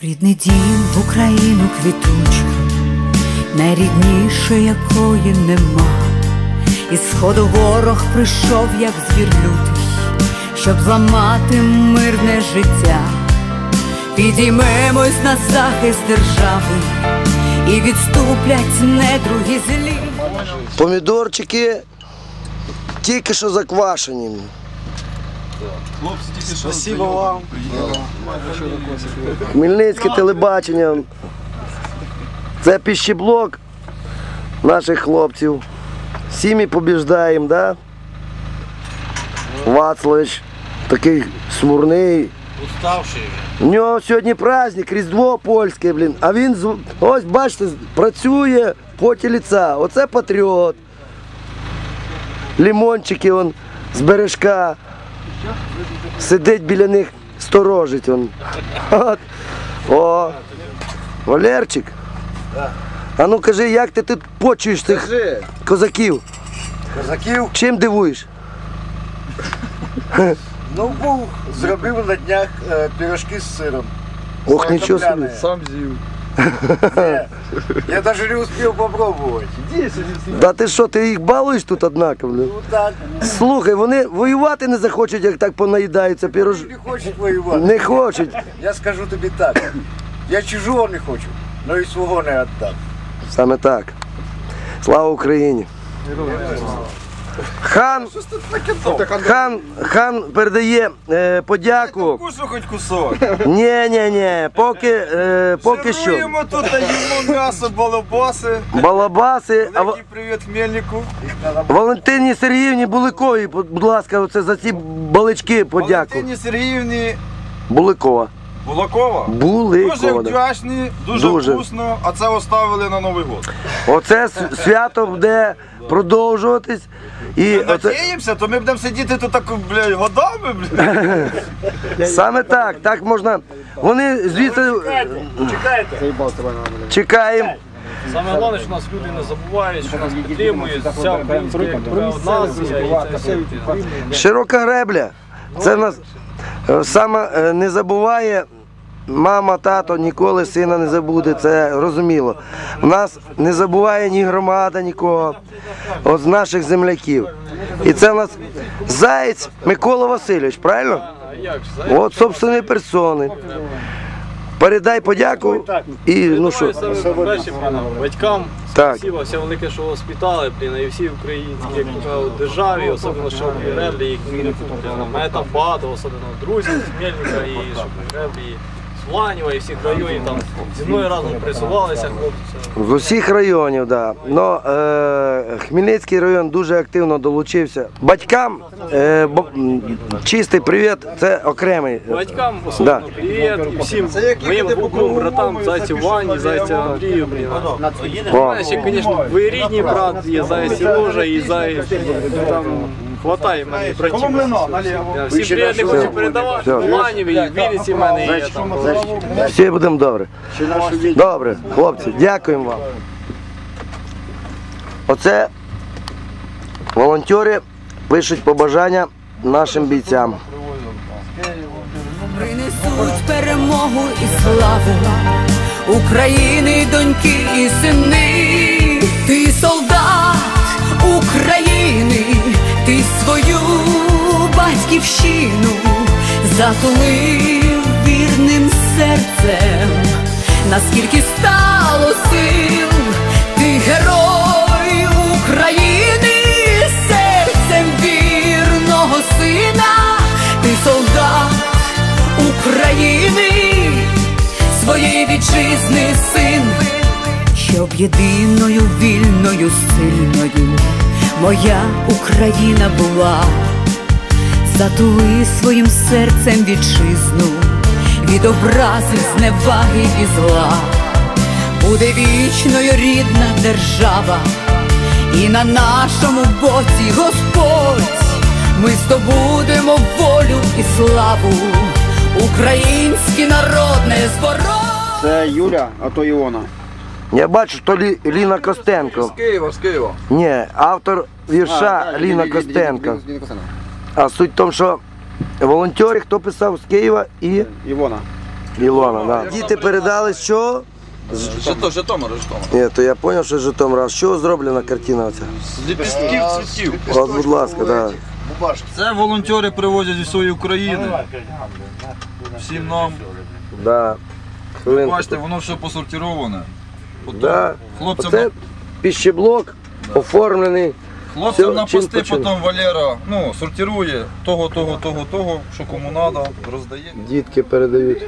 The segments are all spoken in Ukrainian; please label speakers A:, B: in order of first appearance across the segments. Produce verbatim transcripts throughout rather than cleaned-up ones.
A: Рідний дім в Україну квітучу, найрідніше якої нема. Із сходу ворог прийшов, як звір лютий, щоб зламати мирне життя. Підіймемось на захист держави, і відступлять недруги злі.
B: Помідорчики тільки що заквашені.
C: Спасибо вам.
B: Хмельницьке телебачення. Це пищеблок наших хлопців. Всі ми побіждаємо, да? Вацлович такий смурний.
C: Уставший.
B: У нього сьогодні праздник, Різдво польське, блін. А він, ось бачите, працює в поті лиця. Оце патріот. Лимончики он з бережка. Сидить біля них, сторожить он. От. О, Валерчик. А ну кажи, як ти тут почуєш цих козаків?
D: Козаків?
B: Чим дивуєш?
D: Ну, був, зробив на днях е, пирожки з сиром.
B: Ох, нічого собі.
C: Сам з'їв.
D: Я навіть не успів попробувати.
B: Да ти що, ти їх балуєш тут, однако, блін?
D: Ну так,
B: Слухай, вони воювати не захочуть, як так понаїдаються пірож...
D: не хочуть воювати.
B: Не хочуть.
D: Я скажу тобі так, я чужого не хочу, але і свого не віддам.
B: Саме так. Слава Україні. Хан, хан, хан передає е, подяку.
C: Кусу хоч кусок.
B: Ні, ні, ні, поки, е, поки що.
C: Жируємо тут, їмо м'ясо, балабаси.
B: Балабаси. А,
C: Великий привіт Хмельнику.
B: Валентині Сергіївні Буликовій, будь ласка, оце за ці балички подяку.
C: Валентині Сергіївні
B: Буликова.
C: Булакова. Дуже
B: Буликова.
C: вдячні, дуже,
B: Дуже.
C: вкусно, а це оставили на Новий год.
B: Оце свято буде продовжуватись. І
C: Ми
B: оце...
C: надіємося, то ми будемо сидіти тут так, блядь, годами, блядь.
B: Саме так, так можна. Вони звідси
D: Чекайте.
B: чекаємо.
E: Саме головне, що нас люди не забувають, що нас підтримують, вся українська нація і це все.
B: Широка гребля. Це в нас е, саме е, не забуває. Мама, тато ніколи сина не забуде, це розуміло. У нас не забуває ні громада, нікого, от з наших земляків. І це у нас Заєць Микола Васильович, правильно? От собственної персони. Передай подяку і ну що.
E: Перші батькам,
B: Так.
E: спасибо, все велике, що воспитали, блін, і всі українські як кажуть, державі, особливо що в Греблі, і Хмельнику. Мене там багато, особливо друзів з Хмельника, і що в Греблі, з Ланєва, і всіх районів там зі мною разом присувалися хлопці.
B: З усіх районів, так. Да. Но е, Хмельницький район дуже активно долучився. Батькам е, бо, чистий привіт, це окремий.
E: Батькам особливо
B: Да.
E: привіт, і всім моїм двом братам, Зайцю Вані, Зайцю Андрію, блін. У
B: О,
E: мене ще, звісно, двоюрідний брат є, Заяць Сережа і Заяць, там хватає мене братів. Я всім привіт не хочу передавати,
B: Все.
E: в Ланєві, і в Вінниці в мене є там.
B: всі будемо добре. Добре, хлопці, дякуємо вам. Оце волонтери пишуть побажання нашим бійцям.
A: Принесуть перемогу і славу України, доньки і сини. Ти солдат України, ти свою батьківщину затулив вірним серцем. Наскільки стало сил, ти герой України, серцем вірного сина, ти солдат України, своєї вітчизни син, щоб єдиною, вільною, сильною моя Україна була. Затули своїм серцем вітчизну від образи, зневаги і зла. Буде вічною рідна держава, і на нашому боці Господь. Ми здобудемо волю і славу, український народ не зборов.
F: Це Юля, а то Іона.
B: Я бачу, що Лі, Ліна Костенко.
C: З Києва, з Києва.
B: Ні, автор вірша Ліна Костенко. А суть в тому, що волонтери, хто писав з Києва і
F: Івона.
B: Ілона, да. Діти передали що?
C: Житомир, Житомир, Житомир.
B: Ні, то я зрозумів, що з Житомира. А з чого зроблена картина оця?
C: З ліпістків цвітів.
B: От, будь ласка, да.
D: Бубашки.
C: Це волонтери привозять зі своєї України. Всім нам.
B: Да. Хвилинку.
C: Бачите, воно все посортироване. Потім
B: Да.
C: Хлопцям,
B: Оце піщеблок оформлений.
C: хлопцям
B: все,
C: на
B: чим
C: пости
B: почим.
C: потім Валера ну, сортирує того, того, того, того, що кому треба, роздає.
B: Дітки передають.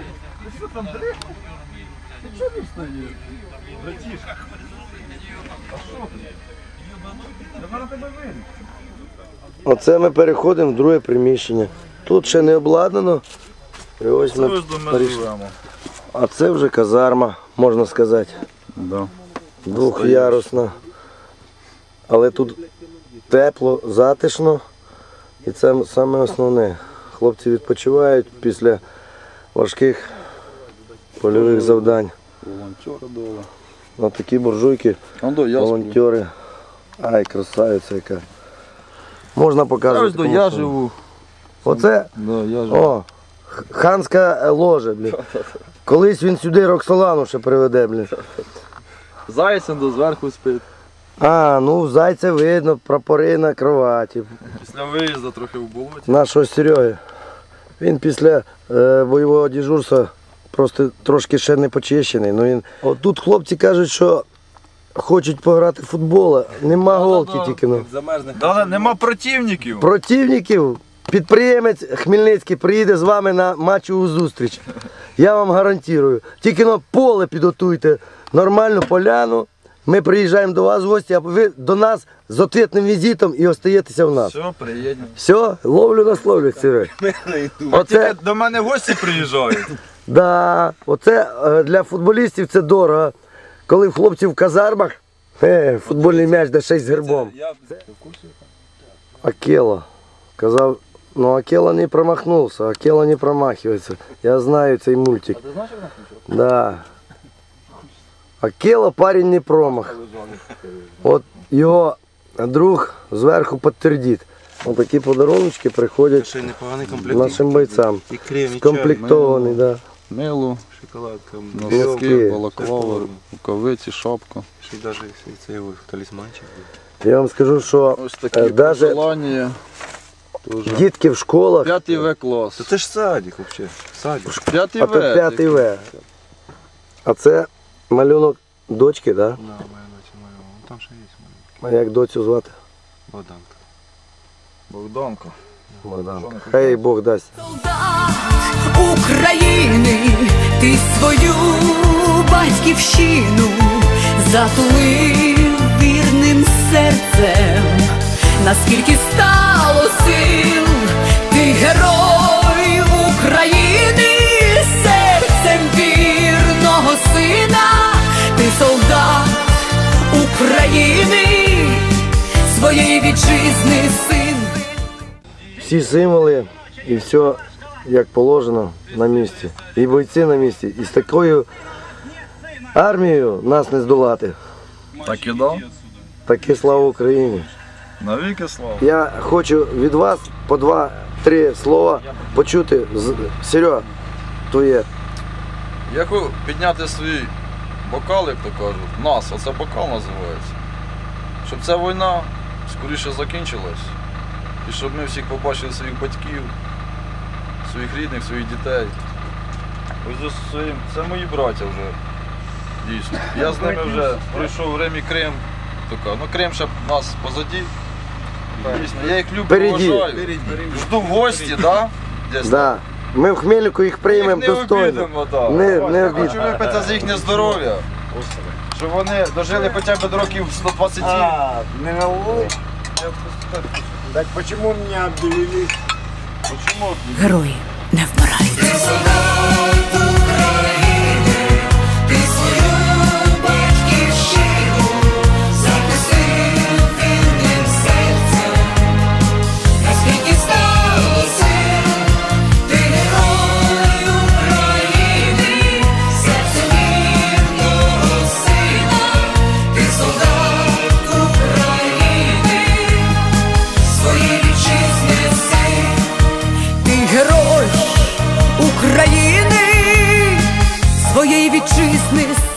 B: Оце ми переходимо в друге приміщення. Тут ще не обладнано. І ось ми перейшли. А це вже казарма, можна сказати.
C: Да.
B: Двохярусна. Але тут тепло, затишно. І це саме основне. Хлопці відпочивають після важких польових завдань.
C: Волонтери доли.
B: Ось такі буржуйки, волонтери. Ай, красавиця яка. Можна показувати. кому
C: Я
B: що.
C: живу.
B: Оце
C: Да, я живу.
B: о, х- ханська ложа, блін. Колись він сюди Роксолану ще приведе, блін.
C: Зайцем до зверху спить.
B: А, ну зайця видно, прапори на кроваті.
C: Після виїзду трохи в болоті.
B: Нашого Сереги. Він після е, бойового дежурства просто трошки ще не почищений. Ну, він... От тут хлопці кажуть, що хочуть пограти в футбол, а нема голки тільки. Ну.
C: Да, нема противників.
B: Противників, підприємець Хмельницький приїде з вами на матчову зустріч. Я вам гарантую. Тільки на поле підготуйте нормальну поляну. Ми приїжджаємо до вас в гості, а ви до нас з відповідним візитом і остаєтеся в нас.
C: Все, приїдемо.
B: Все, ловлю на словлю, Серег. Оце,
C: До мене гості приїжджають.
B: да, оце е, для футболістів це дорого. Коли в хлопців в казармах, е, футбольний м'яч де шесть з гербом. Акела. Казав, ну Акела не промахнувся, Акела не промахивается. Я знаю цей мультик. Да. Акела парень не промах. От його друг зверху підтвердить. Ось такі подарунки приходять
F: Ще й непоганий комплект.
B: нашим бойцям.
F: І крем, і
B: Скомплектований, да.
G: Мило,
F: шоколадка.
B: Носки.
G: носки, балаклава, рукавиці, шапка.
F: Ще й навіть цей ось талісманчик.
B: Я вам скажу, що
G: Ось
B: е,
G: такі
B: даже
G: посилання. Дуже.
B: дітки в школах,
G: П'ятий В клас.
F: Та це ж садик взагалі. Садик.
G: П'ятий
B: а то
G: В.
B: п'ятий В. А це малюнок дочки, да?
F: Да, моя доча, моя. Вон там ще є моя.
B: А як доцю звати?
F: Богданка.
G: Богданка.
B: Богданка. Хай їй Бог дасть.
A: Солдат України, ти свою батьківщину затулив вірним серцем, наскільки стало сил, ти герой України, серцем вірного сина, ти солдат України, своєї вітчизни син.
B: Всі символи і все як положено на місці. І бойці на місці. І з такою армією нас не здолати.
G: Так і дав.
B: Таке слава Україні.
G: Навіки слава.
B: Я хочу від вас по два-три слова почути. з- Серьо, твоє.
G: Я хочу підняти свій бокал, як то кажуть. Нас, оце бокал називається. Щоб ця війна скоріше закінчилась. І щоб ми всіх побачили своїх батьків, своїх рідних, своїх дітей. Ось з своїм, це мої браття вже. Дійсно. Я з ними вже пройшов Рим і Крим. Така. Ну Крим ще нас позаді. Дійсно. Я їх люблю,
B: Впереді.
G: поважаю. Жду в гості, да? Десь
B: Да. Ми в Хмельнику їх приймемо
G: Їх не
B: достойно.
G: обідемо, да.
B: Не, не
G: Я
B: обідемо.
G: хочу випити за їхнє здоров'я. Щоб вони дожили хоча б до років сто двадцять.
D: А, не на улице? Так почему меня объявили?
G: Почему?
A: Герої не вмирають. Ти герой України, своєї вітчизни